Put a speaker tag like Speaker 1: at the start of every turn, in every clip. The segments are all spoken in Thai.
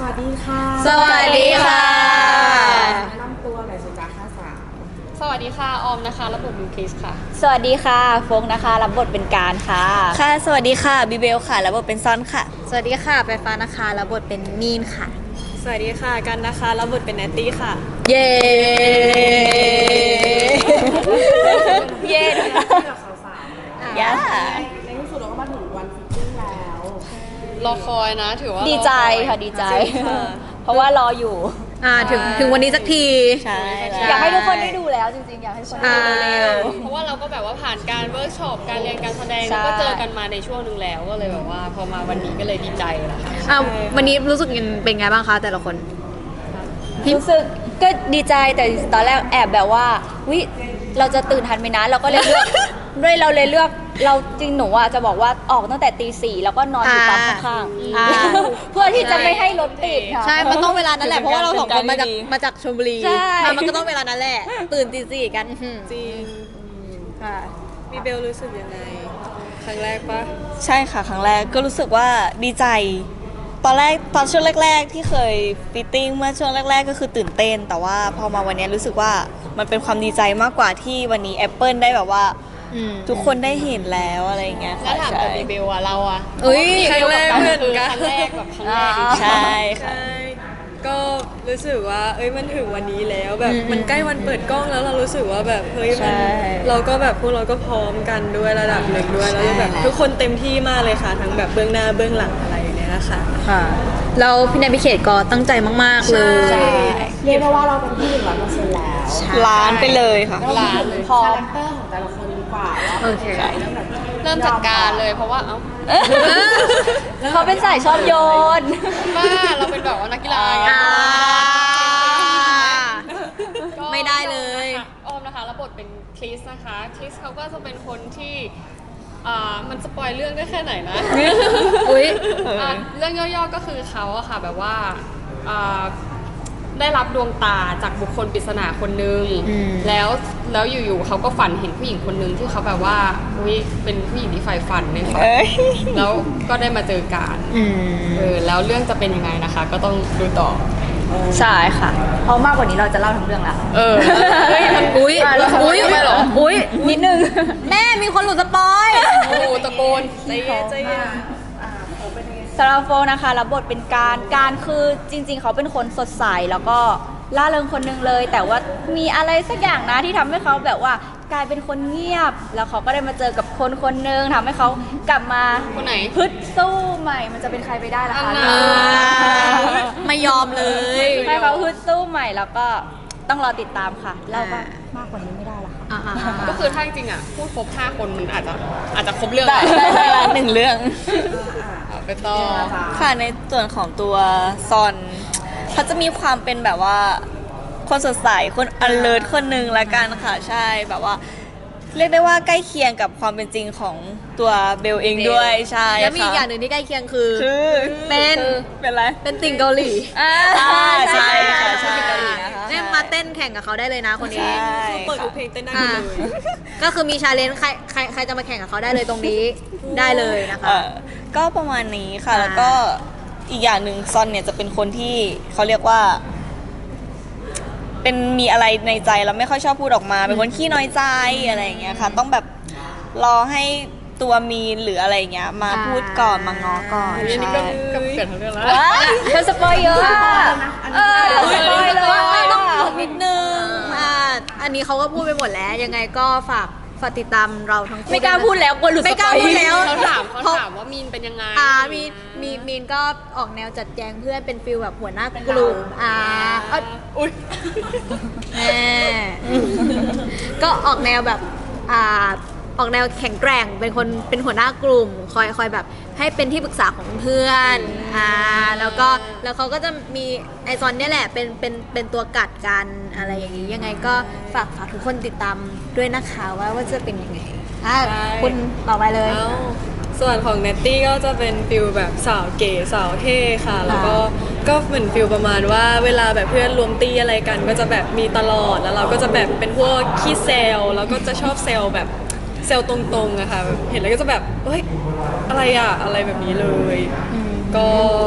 Speaker 1: วัสดีค่ะ
Speaker 2: สวัสดีค่ะ
Speaker 1: แนะนำตัวหน่อยสิจ๊ะค่าสาว
Speaker 3: สวัสดีค่ะออมนะคะรับบทเป็นคริสค่ะ
Speaker 2: สวัสดีค่ะโฟกนะคะรับบทเป็นการค่ะค่ะ สวัสดีค่ะบิเบลค่ะรับบทเป็นซอนค่ะสวัสดีค่ะไฟฟ้านะคะรับบทเป็นมีนค่ะ
Speaker 3: สวัสดีค่ะกันนะคะรับบทเป็นแนตตี้ค่ะ
Speaker 2: เย้เย้
Speaker 1: ที่กับสาวๆ
Speaker 2: ย่า
Speaker 1: ในที่สุดเราก็มาถึงวันฟิตติ้งแล้ว
Speaker 3: รอคอยนะถือว่า
Speaker 2: ดีใจ
Speaker 3: รออย
Speaker 2: ค่ะดีใจ
Speaker 3: จริงค่ะ
Speaker 2: เพราะว่ารออยู่
Speaker 4: ถึงวันนี้สักที
Speaker 2: ใช่อยากให้ทุกคนได้ดูแล้วจริงๆอยากให้ทุกคนได้ดูเร็ว
Speaker 3: เพราะว่าเราก็แบบว่าผ่านการเวิร์กช็อปการเรียนการแสดง
Speaker 2: ใช่
Speaker 3: แล้วก็เจอกันมาในช่วงหนึ่งแล้วก็เลยแบบว่าพอมาวันนี้ก็เลยดีใจนะคะ
Speaker 4: วันนี้รู้สึกเป็นไงบ้างคะแต่ละคน
Speaker 2: รู้สึกก็ดีใจแต่ตอนแรกแอบแบบว่าวิเราจะตื่นทันไหมนะเราก็เลยเลือก ด้วยเราเลยเลือกเราจริงหนูอ่ะจะบอกว่าออกตั้งแต่ตี 4แล้วก็นอนอยู่ปั๊มข้าง
Speaker 4: อ่า
Speaker 2: ๆเพื่อที่จะไม่ให้รถติดค่ะ
Speaker 4: ใช่ มันต้องเวลานั้นแหละ เพราะว่าเราสองคนมาจากชลบุรี
Speaker 2: ใช่
Speaker 4: มันก็ต้องเวลานั้นแหละ ตื่นตีสี่กัน
Speaker 3: จริง
Speaker 2: ค่ะ
Speaker 3: มีเบลรู้สึกยังไงครั้งแรกปะ
Speaker 5: ใช่ค่ะครั้งแรกก็รู้สึกว่าดีใจ ตอนช่วงแรกๆที่เคยฟิตติ้งเมื่อช่วงแรกๆก็คือตื่นเต้น แต่ว่าพอมาวันนี้รู้สึกว่ามันเป็นความดีใจมากกว่าที่วันนี้ Apple ได้แบบว่าทุกคนได้เห็นแล้วอะไรอย่างเงี้ย
Speaker 3: แล้ว
Speaker 5: ค่ะ
Speaker 3: ถามกับมีเบลอะเราอะ
Speaker 4: เอ้ย
Speaker 3: ครั้งแรกเหมือนกันครั้งแรกแบบครั้งแรกจริงๆ
Speaker 5: ใช่ค่ะ
Speaker 6: ใช่ก็รู้สึกว่ามันถึงวันนี้แล้วแบบมันใกล้วันเปิดกล้องแล้วเรารู้สึกว่าแบบเฮ้ยมันเราก็แบบพวกเราก็พร้อมกันด้วยระดับหนึ่งด้วยแล้วแบบทุกคนเต็มที่มากเลยค่ะทั้งแบบเบื้องหน้าเบื้องหลังอะไรอย่างเงี้ยค่ะ
Speaker 4: ค่ะแล้วพี่แนนพี่เขตก็ตั้งใจมากๆเลย
Speaker 5: ใช่
Speaker 1: เรียกได้ว่าเราเป็นที่100%แล้ว
Speaker 5: ล้านไปเลยค่ะ
Speaker 3: ล้านเลย
Speaker 1: คาแรคเตอร์ของแต่ละคนดีกว่าว่า
Speaker 4: โอเค
Speaker 3: เริ่มจากการเลยเพราะว่าเอ้า
Speaker 2: เขาเป็นสายชอบโยน
Speaker 3: บ้าเราเป็นแบบว่านักกีฬาไง
Speaker 4: อ่า
Speaker 3: ก็
Speaker 4: ไม่ได้เลย
Speaker 3: ออมนะคะรับบทเป็นคริสนะคะคริสเขาก็จะเป็นคนที่มันสปอยเรื่องได้แค่ไหนนะ
Speaker 4: อุ๊ย
Speaker 3: เรื่องย่อๆก็คือเขาอะค่ะแบบว่าอ่าได้รับดวงตาจากบุคคลปริศนาคนนึงแล้วอยู่ๆเขาก็ฝันเห็นผู้หญิงคนนึงที่เขาแบบว่าอุ๊ยเป็นผู้หญิงที่ใฝ่ฝันในฝัน
Speaker 5: เอ้ย
Speaker 3: แล้วก็ได้มาเจอกันแล้วเรื่องจะเป็นยังไงนะคะ ก็ต้องดูต่อ
Speaker 2: ใช่ค่ะเพราะมากกว่านี้เราจะเล่าทั้งเรื่องแล้ว
Speaker 3: เฮ้ยมัน
Speaker 4: อุ๊ย
Speaker 3: อุ๊ยทำไมเหรอ
Speaker 2: อุ้ยนิดนึง
Speaker 4: แม่มีคนหลุดสปอย
Speaker 3: โอ้โหตะโกนใจเย็นใจเย็น
Speaker 2: สำหรับโฟนะคะรับบทเป็นการคือจริงๆ เขาเป็นคนสดใสแล้วก็ล่าเริงคนหนึงเลย แต่ว่ามีอะไรสักอย่างนะที่ทำให้เขาแบบว่ากลายเป็นคนเงียบ แล้วเขาก็ได้มาเจอกับคนคนหนึงทำให้เขากลับมา
Speaker 3: คนไหน
Speaker 2: ฮึดสู้ใหม่มันจะเป็นใครไปได้ล่ะคะ
Speaker 3: อันน่ะ
Speaker 4: ไม่ยอมเลย
Speaker 2: ให้เขาฮึดสู้ใหม่แล้วก็ต้องรอติดตามค่ะเราก็มากกว่านี้ไม่ได้ละค่ะ
Speaker 3: ก็คือถ้าจริงๆอ่ะพูดครบ5คนมันอาจจะครบเรื่อง
Speaker 5: ได้ละหนึ่งเรื่อง
Speaker 3: เอาไปต่อ
Speaker 5: ค่ะในส่วนของตัวซอนเขาจะมีความเป็นแบบว่าคนสดใสคน alert คนหนึ่งละกันค่ะใช่แบบว่า เรียกได้ว่าใกล้เคียงกับความเป็นจริงของตัวเบลเองด้วยใช่
Speaker 4: แล้วมีอีกอย่าง
Speaker 5: ค่ะ
Speaker 4: หนึ่งที่ใกล้เคียงคือ
Speaker 5: คือ
Speaker 4: เป็น
Speaker 5: เป็นไร
Speaker 4: เป็นติ่งเกาหลี
Speaker 5: ใช่ค่ะใช่
Speaker 2: เกาหลีนะคะ
Speaker 4: เนี่ยมาเต้นแข่งกับเขาได้เลยนะคนนี้
Speaker 5: ใช่
Speaker 6: เปิดดู
Speaker 5: ค่ะ
Speaker 6: เพลงเต้นได้หมดเลย
Speaker 4: ก็คือมีชาเลนจ์ใครจะมาแข่งกับเขาได้เลยตรงนี้ได้เลยนะคะ
Speaker 5: ก็ประมาณนี้ค่ะ
Speaker 4: อ่า
Speaker 5: แล้วก็อีกอย่างหนึ่งซอนเนี่ยจะเป็นคนที่เขาเรียกว่า เป็นมีอะไรในใจแล้วไม่ค่อยชอบพูดออกมา เป็นคนขี้น้อยใจอะไรอย่างเงี้ยค่ะ ต้องแบบรอให้ตัวมีนหรืออะไรอย่างเงี้ย มาพูดก่อนมาง้อก่อน
Speaker 3: อันนี้
Speaker 5: ใช่
Speaker 3: ก็เกิดทั้งเรื่องแล้ว
Speaker 2: ว้ายเธอสปอยเยอะอะเธอสปอยเลย
Speaker 4: ต้อง
Speaker 2: อะ
Speaker 4: หยุดนิดนึงอันนี้เขาก็พูดไปหมดแล้ว ยังไงก็ฝากติดตามเราทั้งคู่
Speaker 2: ไม่กล้าพูดแล้วกลัวหลุด
Speaker 4: ไม่กล้า
Speaker 2: สปอย
Speaker 4: พูดแล้ว
Speaker 3: เขาถามว่ามีนเป็นยังไง
Speaker 4: มีนก็ออกแนวจัดแจงเพื่อนเป็นฟิลแบบหัวหน้ากลุ่ม
Speaker 3: อุ๊ย
Speaker 4: แม่ก็ออกแนวแบบออกแนวแข็งแกร่งเป็นหัวหน้ากลุ่มคอยแบบให้เป็นที่ปรึกษาของเพื่อนแล้วเขาก็จะมีไอซอนเนี่ยแหละเป็นตัวกัดกันอะไรอย่างนี้ยังไงก็ฝากทุกคนติดตามด้วยนะคะว่าจะเป็นยังไงคุณต่อไปเลย
Speaker 6: ส่วนของเนตตี้ก็จะเป็นฟิลแบบสาวเก๋สาวเท่ค่ะ แล้วก็เหมือนฟิลประมาณว่าเวลาแบบเพื่อนรวมตีอะไรกัน ก็จะแบบมีตลอดแล้วเราก็จะแบบเป็นพวกขี้เซลแล้วก็จะชอบเซลแบบเซลตรงๆอะค่ะแบบเห็นแล้วก็จะแบบเฮ้ยอะไรอะอะไรแบบนี้เลย ก็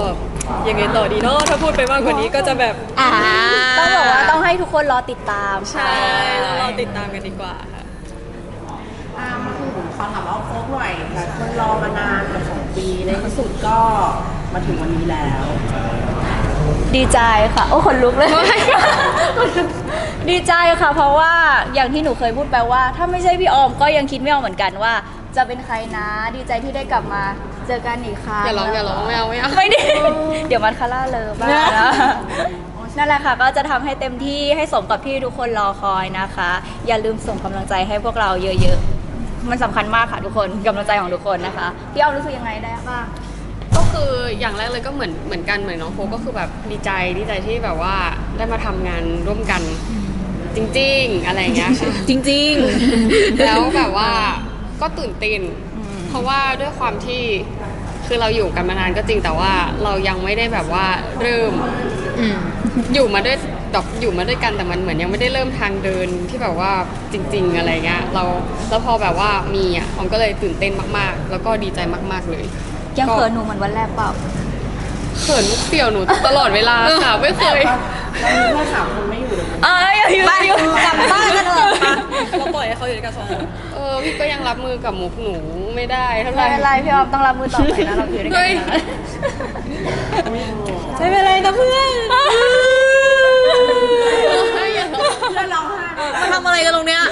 Speaker 6: ยังไงต่อดีเนาะถ้าพูดไปมากกว่านี้ก็จะแบบ
Speaker 2: ต้องบอกว่าต้องให้ทุกคนรอติดตาม
Speaker 6: ใช่แล้วเราติดตามกันดีกว่าค่ะ
Speaker 1: มาถึงขอถามว่าโฟกหน่อยหลายคนรอมานานเกือบ2 ปีในที่สุดก็มาถึงวันนี้แล้ว
Speaker 2: ดีใจค่ะ โอ้ขนลุกเลย ดีใจค่ะ เพราะว่าอย่างที่หนูเคยพูดไปว่า ถ้าไม่ใช่พี่ออมก็ยังคิดไม่ออกเหมือนกันว่า จะเป็นใครนะ ดีใจที่ได้กลับมาเจอกันอีกครั้ง
Speaker 3: อย่าร้องไม่เอาไม่เอา
Speaker 2: ไม่ได้ เดี๋ยวมันคาร่าเลยบ้างนะนั่นแหละค่ะ ก็จะทำให้เต็มที่ให้สมกับที่ทุกคนรอคอยนะคะ อย่าลืมส่งกำลังใจให้พวกเราเยอะๆ มันสำคัญมากค่ะทุกคนกำลังใจของทุกคนนะคะพี่ออมรู้สึกยังไงได้บ้าง
Speaker 3: ก็คืออย่างแรกเลยก็เหมือนกันเหมือนน้องโฟก็คือแบบดีใจที่แบบว่าได้มาทำงานร่วมกันจริงๆอะไรอย่างเงี้ยค่ะ
Speaker 4: จริง
Speaker 3: แล้วแบบว่าก็ตื่นเต้นเพราะว่าด้วยความที่คือเราอยู่กันมานานก็จริงแต่ว่าเรายังไม่ได้แบบว่าเริ่ม
Speaker 4: ๆอืม
Speaker 3: อยู่มาด้วยแบบอยู่มาด้วยกันแต่มันเหมือนยังไม่ได้เริ่มทางเดินที่แบบว่าจริง ๆอะไรเงี้ยแล้วพอแบบว่ามีอ่ะออมก็เลยตื่นเต้นมากๆ แล้วก็ดีใจมากๆเลย
Speaker 2: ยังเขินหนูเหมือนวันแรกเปล่า
Speaker 3: เขินมุกเปี่ยวหนูตลอดเวลาค่ะไม่เคย
Speaker 1: เรามีเพื่อน3 คนไม่อยู่เลย
Speaker 2: อยู่กลับบ้านกันเถอะ
Speaker 6: เราปล่อยให้เขาอยู่ด้วยกัน2 คน
Speaker 3: พี่ก็ยังรับมือกับมุกหนูไม่ได้เท่าไห
Speaker 2: ไม่
Speaker 3: ร่
Speaker 2: เป็นไรพี่ออมต้องรับมือต่อไปนะเราอยู่ด้วยกัน
Speaker 3: เฮ้ย
Speaker 2: นะ
Speaker 4: ใช่เป็นไรนะเพื่อน
Speaker 1: เพื่อนร้องไห้
Speaker 4: มาทำอะไรกันตรงเนี้ย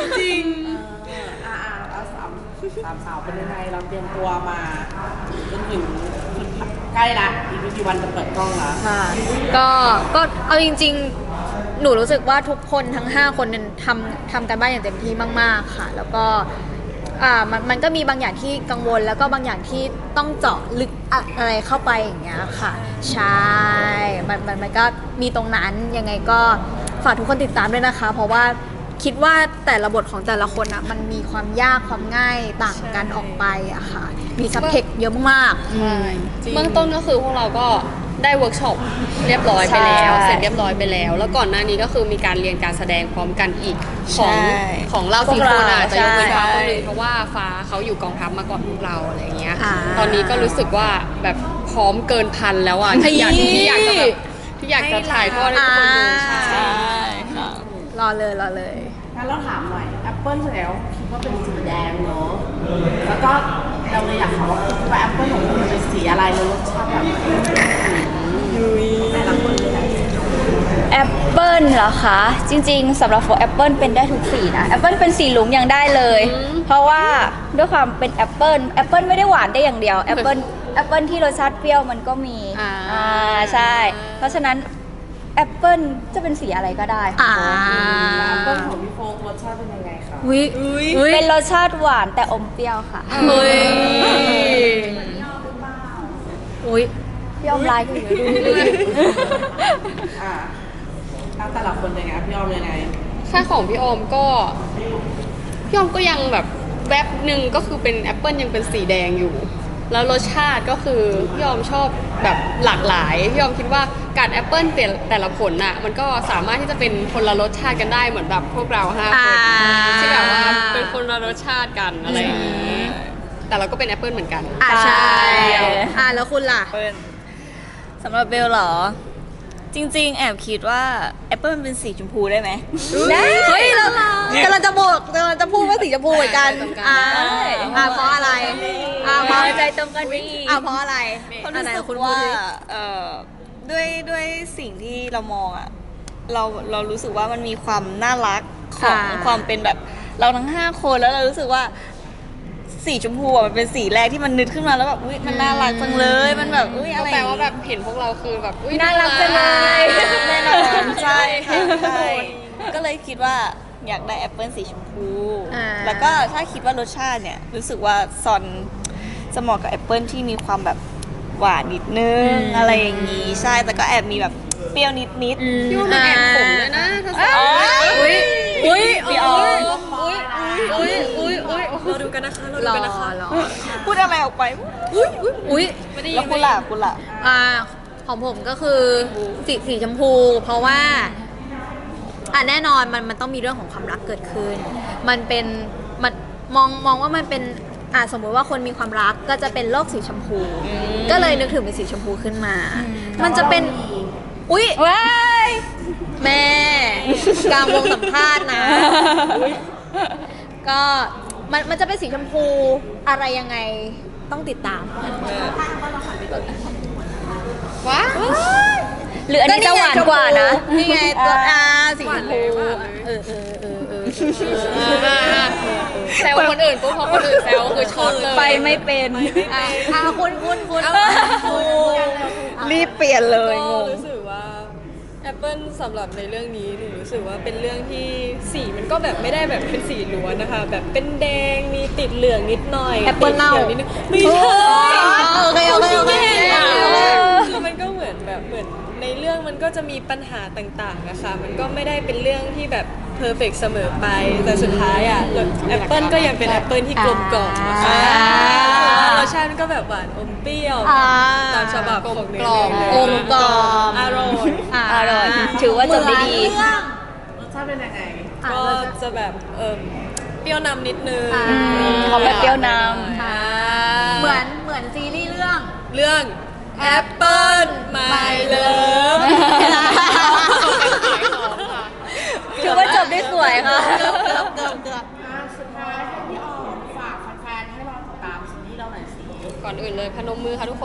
Speaker 1: แล้วสามสาวเป็นยังไงเราเตรียมตัวมาจนถึงใกล้ละอีกไม่กี่วันจะเปิดกล้องละ
Speaker 4: ค่ะก็เอาจริงๆ หนูรู้สึกว่าทุกคนทั้ง 5 คนเนี่ยทำกันบ้านอย่างเต็มที่มากๆค่ะ แล้วก็มันก็มีบางอย่างที่กังวลแล้วก็บางอย่างที่ต้องเจาะลึกอะไรเข้าไปอย่างเงี้ยค่ะใช่มันก็มีตรงนั้นยังไงก็ฝากทุกคนติดตามด้วยนะคะ เพราะว่าคิดว่าแต่ละบทของแต่ละคนอะมันมีความยากความง่ายต่างกันออกไปอะค่ะมีซับเทคเยอะมากๆ
Speaker 3: เบื้องต้นก็คือพวกเราก็ได้เวิร์กช็อปเรียบร้อยไปแล้วเสร็จเรียบร้อยไปแล้ว แล้วก่อนหน้านี้ก็คือมีการเรียนการแสดงพร้อมกันอีกของเรา4 คนอ่ะจะยกเว้นฟ้าคนนึงเพราะว่าฟ้าเขาอยู่กองทัพมาก่อนพวกเราอะไรอย่างเงี้ย ตอนนี้ก็รู้สึกว่าแบบพร้อมเกินพันแล้วอ่ะที่อยากจะถ่ายทอดให้ทุกคนดูใช่
Speaker 5: ค่ะ
Speaker 4: รอเลย
Speaker 1: งั้นเราถามหน่อยแอปเปิลแล้วคิดว่าเป็นสีแดงเนาะแล้วก็เราเลยอยากถามว่าแอปเปิลของคุณเป็นสีอะไรแล้วรสชาติแบบแต่ละคนเลยนะ
Speaker 2: แอปเปิลเหรอคะ จริงๆสำหรับโฟแอปเปิลเป็นได้ทุกสีนะแอปเปิลเป็นสีหลุงยังได้เลย เพราะว่าด้วยความเป็นแอปเปิลไม่ได้หวานได้อย่างเดียวแอปเปิลที่รสชาติเปรี้ยวมันก็มีใช่ เพราะฉะนั้นแอปเปิลจะเป็นสีอะไรก็ได้ค่ะ
Speaker 1: แอปเปิลของพี่โฟกรสชาติเป็นยังไงคะ
Speaker 2: เป็นรสชาติหวานแต่อมเปรี้ยวค่ะ พี่อมลายก็อยู่ดู
Speaker 1: แล้วแต่ละคนยังไงพี่ออมยังไง
Speaker 3: ถ้าของพี่ออมก็ยังแบบแวบหนึ่งก็คือเป็นแอปเปิลยังเป็นสีแดงอยู่ แล้วรสชาติก็คือพี่ออมชอบแบบหลากหลายพี่ออมคิดว่าการแอปเปิลแต่ละผลน่ะมันก็สามารถที่จะเป็นคนละรสชาติกันได้เหมือนแบบพวกเรา5 คนที่แบบว่าเป็นคนละรสชาติกันอะไรอย่างนี้แต่เราก็เป็นแอปเปิลเหมือนกัน
Speaker 4: ใช่แล้วคุณล่ะ
Speaker 5: สำหรับเบลเหรอ จริงๆ แอบคิดว่าแอปเปิลมันเป็นสีชมพูได้ไหม
Speaker 4: เฮ้ยเรากำลังจะพูดว่าสีชมพูเหมือนกันเพราะอะไรเพราะ
Speaker 2: ใจตรงกันไปอีก
Speaker 4: เพราะอะไร
Speaker 5: เพราะรู้สึกว่าด้วยสิ่งที่เรามองอะเรารู้สึกว่ามันมีความน่ารักของความเป็นแบบเราทั้ง5 คนแล้วเรารู้สึกว่าสีชมพูอะมันเป็นสีแรกที่มันนึกขึ้นมาแล้วแบบอุ๊ยมันน่ารักจังเลยมันแบบอุ๊ยอะไร
Speaker 3: แปลว่าแบบเห็นพวกเราคือแบบอุ๊ย
Speaker 2: น่ารักจังเลย
Speaker 5: แน่นอนใช่ค่ะใช่ก็เลยคิดว่าอยากได้แอปเปิลสีชมพูแล้วก็ถ้าคิดว่ารสชาติเนี่ยรู้สึกว่าซอนจะเหมาะกับแอปเปิลที่มีความแบบหวานนิดนึงอะไรอย่างนี้ใช่แต่ก็แอบมีแบบเปรี้ยวนิด
Speaker 3: พี่ว่ามันแอบขมเลยนะถ้าใส่
Speaker 5: พี่ออม
Speaker 6: เราดูกันนะคะเราดูกันนะคะ
Speaker 5: พูดอะไรออกไปแล้วคุณล่ะ
Speaker 4: ของผมก็คือสีชมพู เพราะว่าแน่นอนมันต้องมีเรื่องของความรักเกิดขึ้นมันมองว่ามันเป็นสมมุติว่าคนมีความรักก็จะเป็นโลกสีชมพู ก็เลยนึกถึงเป็นสีชมพูขึ้นมา มันจะเป็นอุ๊ย
Speaker 2: ว้าย
Speaker 4: แม่กลางวงสัมภาษณ์นะ ก็มันจะเป็นสีชมพูอะไรยังไงต้องติดตาม
Speaker 3: ว้า
Speaker 2: หรืออันนี้จะหวานกว่านะ
Speaker 4: นี่ไงตัวสีชมพู
Speaker 3: แซวคนอื่นปุ๊บพอคนอื่นแซวคือช็อตเลย
Speaker 2: ไปไม่เป็น
Speaker 4: คุณ
Speaker 5: รีบเปลี่ยนเลย
Speaker 6: ก็
Speaker 5: งง
Speaker 6: รู้สึกว่าแอปเปิลสำหรับในเรื่องนี้หนูรู้สึกว่าเป็นเรื่องที่สีมันก็แบบไม่ได้แบบเป็นสีล้วนนะคะ แบบเป็นแดงมีติดเหลืองนิดหน่อย
Speaker 4: แอปเปิ้ลเน่า
Speaker 6: ติดขียวนิดนึงไม่ใช่
Speaker 4: โอเค
Speaker 6: คือมันก็เหมือนแบบเหมือนในเรื่องมันก็จะมีปัญหาต่างๆนะคะมันก็ไม่ได้เป็นเรื่องที่แบบเพอร์เฟกเสมอไปแต่สุดท้ายอ่ะแอปเปิลก็ยังเป็นแอปเปิลที่กลมกล่อมนะคะรสชาติมันก็แบบหวานอมเปรี้ยวตามฉบับของเนื้อเรื่อง
Speaker 4: กลมกล่อม
Speaker 6: อร่อย
Speaker 2: อร่อย ถือว่าจบได้ดี
Speaker 1: รสชาติเป็นยังไง
Speaker 6: ก็จะแบบเปรี้ยวนำนิดนึง
Speaker 2: เขาแบบเปรี้ยวน
Speaker 4: เหมือนซีรีส์เรื่อง
Speaker 6: เรื่องแอปเปิลไม่เลิฟ
Speaker 2: ถือว่าจบได้สวยค่ะ
Speaker 1: สุดท้ายให้พี่ออมฝากแฟนๆให้เราติดตามซีรีส์เราหน่อยสิ
Speaker 3: ก่อนอื่นเลยพนมมือค่ะทุกคน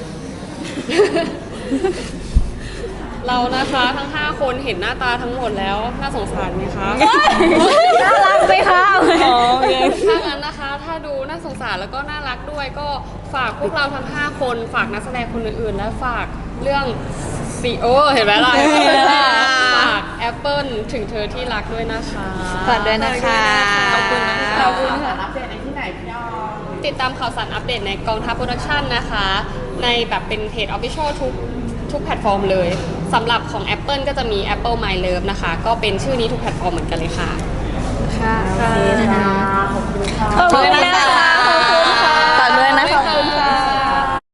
Speaker 3: เรานะคะทั้ง 5 คนเห็นหน้าตาทั้งหมดแล้วน่าสงสารไหมคะ
Speaker 2: น่ารักไหมคะ
Speaker 3: ถ้างั้นนะคะ ถ้าดูน่าสงสารแล้วก็น่ารักด้วยก็ฝากพวกเราทั้ง 5 คนฝากนักแสดงคนอื่นๆ และฝากเรื่องซีโอเห็นไหมล่ะฝากแอปเปิลถึงเธอที่รักด้วยนะคะ
Speaker 2: ฝากด้วยนะคะ
Speaker 6: ขอบคุณนะคะ
Speaker 2: ขอบคุณค่ะ
Speaker 1: อัปเดตในที่ไหนพี่ออม
Speaker 3: ติดตามข่าวสารอัปเดตในกองทัพโปรดักชันนะคะ ในแบบเป็นเพจ Official ทุกแพลตฟอร์มเลยสำหรับของ Apple ก็จะมี Apple My Love นะคะ ก็เป็นชื่อนี้ทุกแพลตฟอร์มเหมือนกันเลยค่ะ
Speaker 2: ค่ะ